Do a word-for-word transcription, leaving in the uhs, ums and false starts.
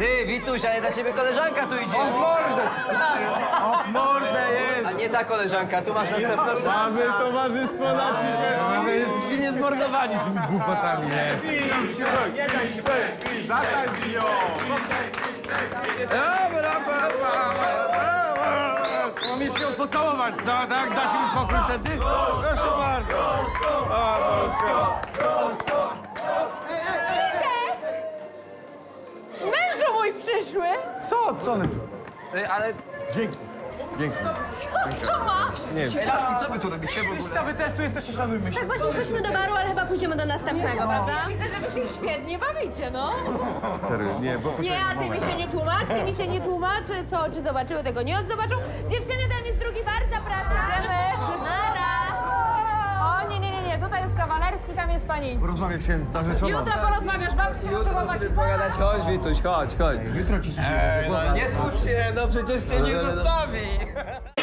Ty, Wituś, ale dla ciebie koleżanka tu idzie. O w mordę! O w mordę jest! A nie ta koleżanka, tu masz następną. Mamy towarzystwo na ciebie! Wy jesteście niezmordowani z tymi głupotami, nie? Nie daj się bezpić, zatańcz ją! Dobra, mam jeszcze ją pocałować, co? Tak? Dacie mi spokój wtedy? Proszę bardzo! O, proszę! Mężu mój przyszły! Co? Co one tu? Ej, ale... Dzięki. Dzięki. Co to ma? Nie wiem. Ej, laski, co wy tu robicie w ogóle? Wy też tu jesteście, szanujmy się. Tak właśnie szłyśmy do baru, ale chyba pójdziemy do następnego, prawda? Widzę, że wy się świetnie bawicie, no. Serio, nie, bo... Nie, a ty mi się nie tłumacz, ty mi się nie tłumaczy, co, czy zobaczyły tego nie zobaczą. Dziewczyny, tam jest drugi bar, zapraszam. Nara. O, nie, nie, nie, nie, tutaj jest kawalerski, tam jest panieński. Rozmawiać się z narzeczoną. Jutro porozmawiasz, babci się Jutro jutro sobie pogadać, chodź Wituś, chodź, chodź. Jutro ci się... Ej, no nie smuć się, no przecież cię nie zostawi.